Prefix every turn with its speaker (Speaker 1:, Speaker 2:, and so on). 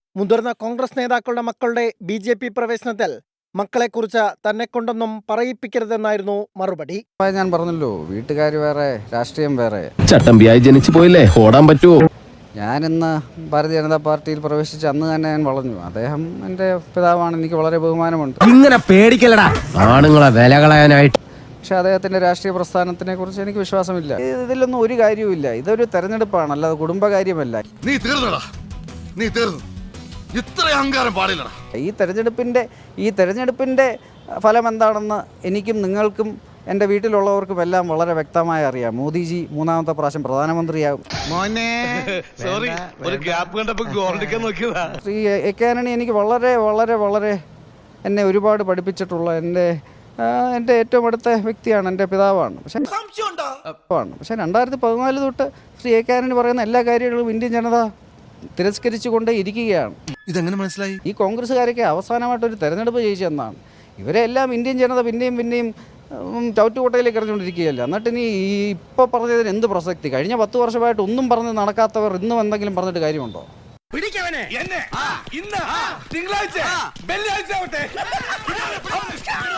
Speaker 1: മുതിർന്ന കോൺഗ്രസ് നേതാക്കളുടെ മക്കളുടെ BJP പ്രവേശനത്തിൽ മക്കളെക്കുറിച്ച് തന്നെക്കൊണ്ടൊന്നും പറയിപ്പിക്കരുതെന്നായിരുന്നു മറുപടി.
Speaker 2: ഞാൻ പറഞ്ഞല്ലോ, വീട്ടുകാർ വേറെ, രാഷ്ട്രീയം വേറെ.
Speaker 3: ചട്ടമ്പിയായി ജനിച്ചു പോയില്ലേ, ഓടാൻ പറ്റുമോ?
Speaker 2: ഞാനിന്ന് ഭാരതീയ ജനതാ പാർട്ടിയിൽ പ്രവേശിച്ച അന്ന് തന്നെ ഞാൻ വളഞ്ഞു. അദ്ദേഹം എൻ്റെ പിതാവാണ്, എനിക്ക് വളരെ ബഹുമാനമുണ്ട്.
Speaker 3: ഇങ്ങനെ പേടിക്കലടാ ആണുങ്ങളെ വില കളയാനായിട്ട്.
Speaker 2: പക്ഷെ അദ്ദേഹത്തിൻ്റെ രാഷ്ട്രീയ പ്രസ്ഥാനത്തിനെ കുറിച്ച് എനിക്ക് വിശ്വാസമില്ല. ഇതിലൊന്നും ഒരു കാര്യവുമില്ല. ഇതൊരു തെരഞ്ഞെടുപ്പാണ്, അല്ലാതെ കുടുംബകാര്യമല്ല.
Speaker 4: നീ തീർന്നു. ഇത്ര അഹങ്കാരം പാടില്ലടാ.
Speaker 2: ഈ തെരഞ്ഞെടുപ്പിൻ്റെ ഫലം എന്താണെന്ന് എനിക്കും നിങ്ങൾക്കും എൻ്റെ വീട്ടിലുള്ളവർക്കും എല്ലാം വളരെ വ്യക്തമായി അറിയാം. മോദിജി മൂന്നാമത്തെ പ്രാവശ്യം പ്രധാനമന്ത്രിയാകും. ശ്രീ എ കെ ആന്റണി എനിക്ക് വളരെ വളരെ വളരെ എന്നെ ഒരുപാട് പഠിപ്പിച്ചിട്ടുള്ള എൻ്റെ ഏറ്റവും അടുത്ത വ്യക്തിയാണ്, എൻ്റെ പിതാവാണ്. പക്ഷേ 2014 തൊട്ട് ശ്രീ എ കെ ആന്റണി പറയുന്ന എല്ലാ കാര്യങ്ങളും ഇന്ത്യൻ ജനത തിരസ്കരിച്ചുകൊണ്ട് ഇരിക്കുകയാണ്.
Speaker 4: ഇതെങ്ങനെ മനസ്സിലായി?
Speaker 2: ഈ കോൺഗ്രസ്സുകാരൊക്കെ അവസാനമായിട്ടൊരു തെരഞ്ഞെടുപ്പ് ജയിച്ചെന്നാണ്. ഇവരെല്ലാം ഇന്ത്യൻ ജനത പിന്നെയും ചവിറ്റുകൊട്ടയിലേക്ക് എറിഞ്ഞുകൊണ്ടിരിക്കുകയല്ല. എന്നിട്ട് ഇനി ഇപ്പോൾ പറഞ്ഞതിന് എന്ത് പ്രസക്തി? കഴിഞ്ഞ 10 വർഷമായിട്ട് ഒന്നും പറഞ്ഞ് നടക്കാത്തവർ ഇന്നും എന്തെങ്കിലും പറഞ്ഞിട്ട് കാര്യമുണ്ടോ?
Speaker 5: പിടിക്കവനെ